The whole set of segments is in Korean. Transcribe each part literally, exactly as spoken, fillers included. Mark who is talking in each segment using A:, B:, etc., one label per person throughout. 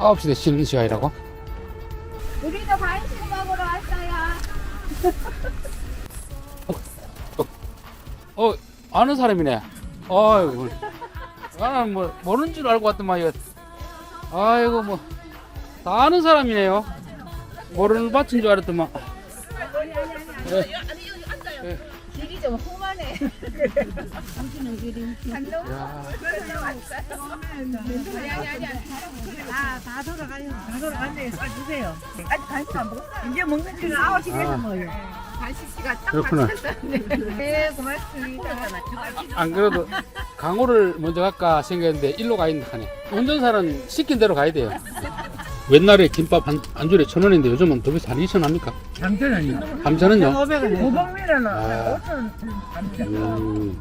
A: 아홉 시에 쉬는 시간이라고?
B: 우리도 간식 먹으러 왔어요.
A: 어, 아는 사람이네. 아이고. 나는 뭐, 모르는 줄 알고 왔더만, 이거. 아이고, 뭐. 다 아는 사람이네요. 모르는 밭인 줄 알았더만. 네. 네.
B: 길이 좀 험하네. 당신은 길이. 한동.
C: 다, 다 돌아가요. 다 돌아갔네. 싸주세요. 아직 간식 안 먹었어. 이제 먹는 줄은 아홉 시 돼서 먹어요.
B: 간식 씨가 딱
A: 그렇구나.
B: 맞췄네. 네, 고맙습니다.
A: 안 그래도 강호를 먼저 갈까 생각했는데 일로 가 있는 하네. 운전사는 시킨 대로 가야 돼요. 옛날에 김밥 한, 한 줄에 천 원인데 요즘은 더 비싸. 한 이천 합니까?
C: 삼천 원이요.
A: 삼천 원요?
C: 오백 원. 오백미는
A: 아.
C: 오천 원.
A: 음.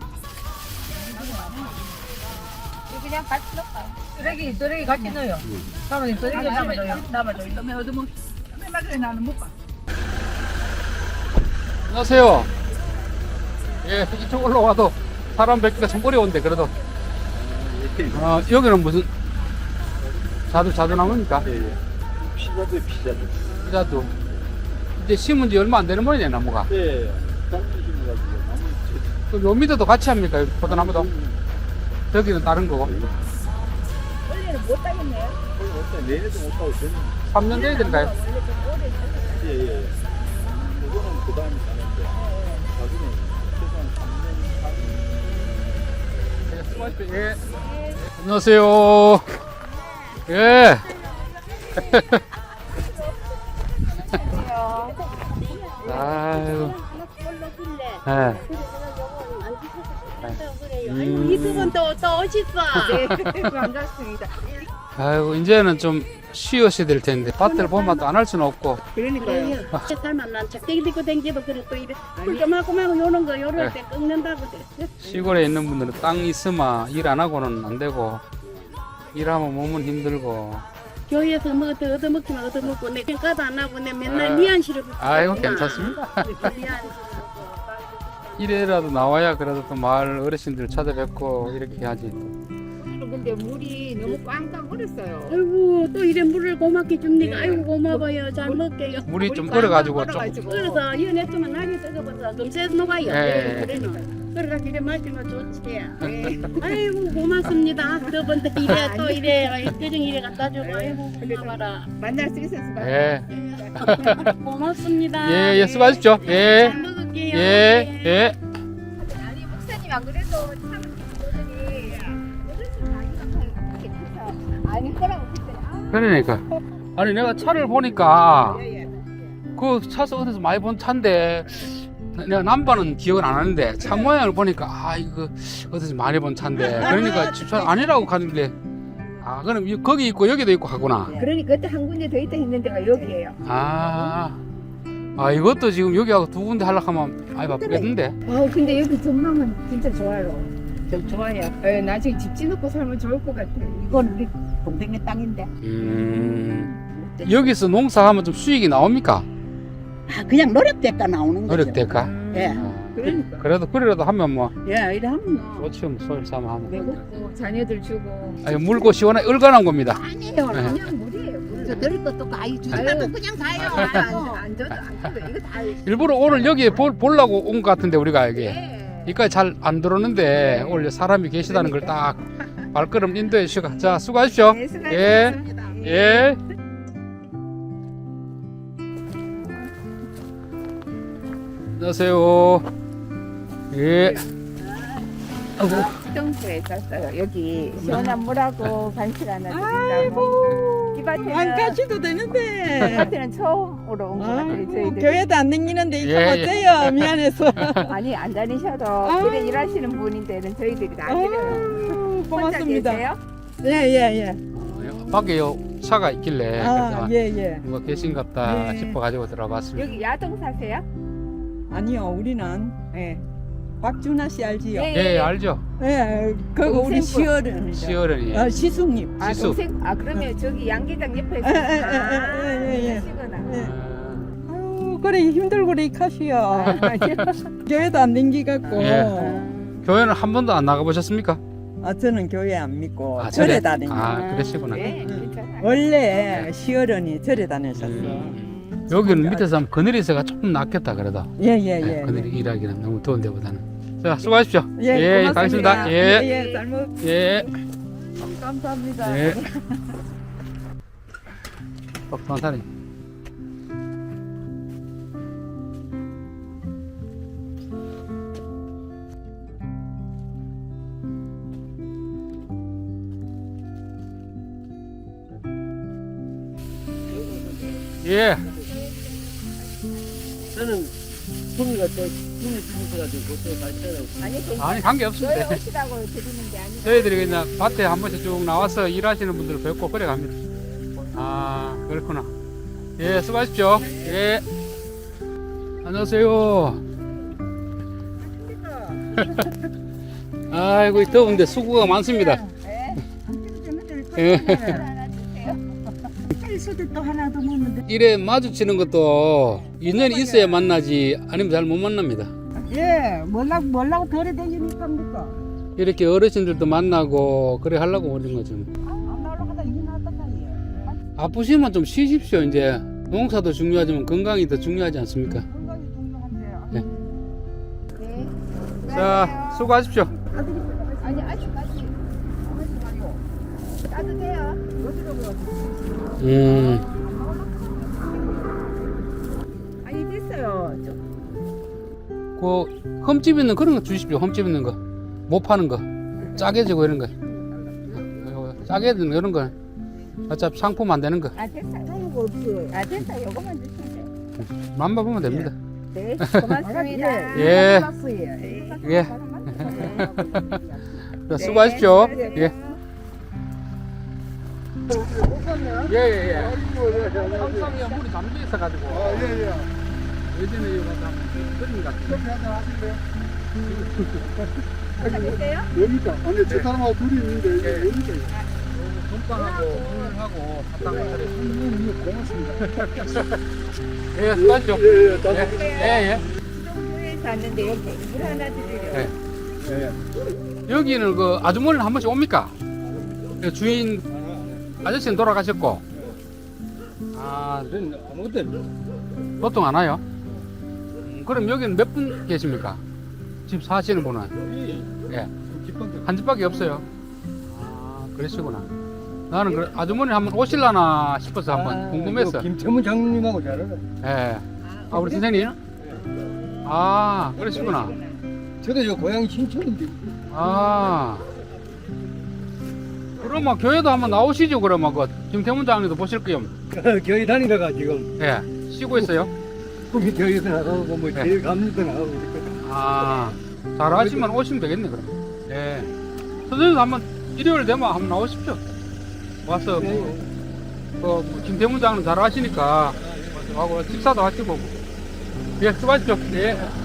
B: 그냥 같이 넣어요.
C: 쓰레기, 쓰레기 같이 넣어요. 사모님 쓰레기 남아줘요. 남아줘요. 이놈의 어둠은. 맨날 나는 못 봐.
A: 안녕하세요. 예, 이쪽 올라와도 사람 뵙기가 참 어려운데 그래도 어, 여기는 무슨 자두 자두 나무니까?
D: 예, 예. 피자도 피자도.
A: 자두 이제 심은 지 얼마 안 되는 모양이네 나무가.
D: 예, 장미심 가지고 나무.
A: 그럼 요 밑에도 같이 합니까? 여기 포도나무도? 저기는 다른 거고.
B: 원래는 못 따겠네요.
D: 어때? 내내도 못 하고 저는
A: 삼 년 돼야 되는가요?
D: 예, 예. 그거는 그 다음에 가는데 나중에 최소한 삼 년, 사 년.
A: 예. 안녕하세요. 예. 아유. 예. 음.
B: 이두분 또, 또 오셨어. 네, 반갑습니다.
A: 아이고 이제는 좀 쉬어셔야 될 텐데 밭을 보면 또 안 할 수는 없고.
B: 그러니까요. 살만 난 작대기 들고 댕기도 그래 또 이래. 꿀조마구마고 요런 거 요럴 때 꺾는다고 그래.
A: 시골에 있는 분들은 땅 있으면 일 안 하고는 안 되고 일하면 몸은 힘들고.
B: 교회에서 뭐 얻어 얻어먹기만 얻어먹고 내 평가도 안 하고 내 맨날
A: 아.
B: 미안시를
A: 아이고 괜찮습니다. 이래라도 나와야 그래도 또 마을 어르신들 찾아뵙고 이렇게 하지.
B: 근데 물이 너무 꽝꽝 얼었어요. 아이고 또 이래 물을 고맙게 줍니까? 아이고 고마워요. 잘 먹게요.
A: 물이 좀 얼어가지고 좀.
B: 그래서 이어냈으면 날이 뜨거워서 금세 녹아요.
A: 예.
B: 그러니까 그래가 이래 마시면 좋지. 예. 아이고 고맙습니다. 저번에 이래 또 이래 표정 이래 갖다 주고 아이고 고마워라. 만날 수 있어서
A: 예.
B: 고맙습니다.
A: 예, 예, 수고하십시오. 예.
B: 잘 먹을게요.
A: 예, 예.
B: 아니 목사님 안 그래도 참 어른이 어르신 나이가 괜찮죠. 아닐 거라고 그랬어요.
A: 그러니까. 아니, 내가 차를 보니까 그 차서 어디서 많이 본 차인데 내가 남바는 기억은 안 하는데 차 모양을 보니까 아, 이거 어디서 많이 본 차인데 그러니까 집차 아니라고 가는데 아, 그럼 이- 거기 있고 여기도 있고 하구나.
B: 그러니까 그때 한 군데 더 있다 했는 데가 여기예요.
A: 아. 아, 이것도 지금 여기하고 두 군데 하려고 하면 아이 바쁘겠는데.
B: 아 근데 여기 전망은 진짜 좋아요. 저 좋아요. 예, 나중에 집 짓놓고 살면 좋을 것 같아요. 이건 우리 동생네 땅인데.
A: 음. 여기서 농사하면 좀 수익이 나옵니까?
E: 아, 그냥 노력대가 나오는 거죠.
A: 노력될까?
E: 예.
A: 아,
B: 그러니까.
A: 그래도 그래라도 하면 뭐
E: 예, 이래 하면 뭐.
A: 좋지 뭐 소일 삼아 하면.
B: 배고프고 자녀들 주고.
A: 아니, 물고 시원하게 얼간한 겁니다.
E: 아니에요.
A: 네.
B: 그냥 물이에요. 물.
E: 저 드릴 것도 가요. 주다도
B: 아유.
E: 그냥 가요.
B: 안, 안 줘도 안 줘도 이거 다.
A: 일부러 오늘 여기에 볼, 보려고 온 것 같은데 우리가 여기
B: 예.
A: 여기까지 잘 안 들어오는데 오늘 사람이 계시다는 걸 딱 발걸음 인도해 주시고 자 수고하십시오.
B: 네,
A: 예.
B: 수고하셨습니다.
A: 예. 안녕하세요. 예. 아이고.
B: 수정소에 쌌어요. 여기 시원한 물하고 간식 하나 드린다고. 이 밭에는
C: 안 가셔도
B: 이
C: 되는데.
B: 밭에는 처음으로 온 것 같아요. 저희들.
C: 교회도 안 다니는데 이거
A: 예,
C: 어때요? 미안해서.
B: 아니 안 다니셔도
C: 아.
B: 그래 일하시는 분인데는 저희들이 다 드려요.
C: 아유,
B: 혼자
C: 고맙습니다.
B: 계세요?
C: 예예 예.
A: 밖에 요 차가 있길래
C: 아
A: 그래서
C: 예 예.
A: 누가 계신갑다
C: 네.
A: 싶어 가지고 들어봤습니다.
B: 여기 야동 사세요?
C: 아니요 우리는
B: 네.
C: 박준하 씨 알지요?
A: 예, 알죠.
C: 예, 그거 우리
B: 동생분.
C: 시어른이죠.
A: 시어른이.
C: 어, 시숙님.
B: 아
A: 시수.
B: 동생 아 그러면 저기 양계장 옆에
C: 에, 에, 에, 에, 에, 에.
B: 시구나.
C: 예.
A: 아,
C: 아유 그래 힘들고 그래 카시요.
B: 아,
C: 교회도 안 댕기 갖고.
A: 예. 교회는 한 번도 안 나가 보셨습니까?
F: 아, 저는 교회 안 믿고
A: 아,
F: 절에
A: 절에?
F: 다니는.
A: 아, 그러시구나.
B: 네, 괜찮아요.
F: 원래 시어른이 절에 다니셨어.
A: 음. 여기는 밑에서 하면 그늘이서가 조금 낫겠다 그래도.
F: 예예예.
A: 네, 그늘이 일하기는 너무 더운 데보다는. 자, 수고하십시오.
F: 예,
A: 예,
F: 고맙습니다.
A: 가겠습니다. 예.
F: 예, 예, 잘 먹.
A: 예.
F: 감사합니다.
A: 예. 똑똑한 사람이. 예.
G: 저는 품이가 또 품이 품이가지고 그것도 발전하고
B: 아니,
A: 아니, 관계 없습니다.
B: 저희 오시라고 드리는 게 아니라.
A: 저희들이 그냥 밭에 한 번씩 쭉 나와서 일하시는 분들 뵙고 그래 갑니다. 아, 그렇구나. 예, 수고하십시오. 예. 안녕하세요. 아이고, 이 더운데 수고가 많습니다. 예.
E: 헬스도 또 하나 더 먹는데.
A: 이래 마주치는 것도 인연이 있어야 만나지 아니면 잘 못 만납니다.
E: 예, 뭐라고 뭐라고 돌아다니니까 니까.
A: 이렇게 어르신들도 만나고 그래 하려고 오는 거죠.
E: 안 나오려고 하다 이 나왔다 예.
A: 아프시면 좀 쉬십시오. 이제 농사도 중요하지만 건강이 더 중요하지 않습니까?
E: 건강이 중요한데.
B: 네.
A: 자, 수고하십시오.
B: 아니, 아직까지. 따뜻해요.
A: 음,
B: 아니, 됐어요.
A: 그 흠집 있는 그런 거 주십시오. 흠집 있는 거, 못 파는 거, 짜게 지고 이런 거, 짜게 되는 이런 거. 어차피 상품 안 되는 거,
B: 아, 됐어요. 그런 거 없어. 아, 됐어요. 요거만 주시면 돼요.
A: 만봐보면 됩니다.
B: 네, 고맙습니다.
A: 예.
B: 네.
A: 예. 자, 수고하십시오. 예. 예, 예, 예. 삼성이야 물이 잠겨 있어가지고.
D: 아, 예, 예.
A: 예전에 이거 다 그림 같은 거.
D: 커피 한잔 하실래요?
B: 됐어요?
D: 여기가. 아니, 저 사람하고 둘이 있는데, 이게
A: 예.
D: 여기가.
A: 건빵하고 물하고 사탕을
D: 음, 고맙습니다.
A: 예, 수고하십시오.
D: 예, 예, 다
A: 예, 예.
B: 수동교회에서 왔는데 여기 물 하나 드리려고.
A: 예.
D: 예.
A: 여기는 그 아주머니는 한 번씩 옵니까? 그 주인 아저씨는 돌아가셨고. 아,
G: 저는 아무것도 없어요.
A: 보통 안 와요? 음, 그럼 여기는 몇 분 계십니까? 집 사시는 분은? 예. 한 집밖에 없어요. 아, 그러시구나. 나는 그 아주머니 한번 오실라나 싶어서 한번 궁금했어.
G: 김태문 장님하고 잘 알아.
A: 예. 아, 우리 선생님? 아, 그러시구나.
G: 저도 저 고향이 신촌인데.
A: 아. 그러면 교회도 한번 나오시죠, 그러면. 그, 김태문 장님도 보실 거요.
G: 교회 다니다가 지금
A: 예. 쉬고 있어요?
G: 꿈이 교회에서 나가고 뭐
A: 네.
G: 제일 감리도 나가고 그랬거든.
A: 아. 잘하시면 오시면 되겠네, 그럼. 예. 선생님도 한번 일요일 되면 한번 나오십시오. 와서 뭐, 그, 뭐 김태문 장님 잘하시니까, 하고 식사도 하시고. 예, 수고하십시오. 예.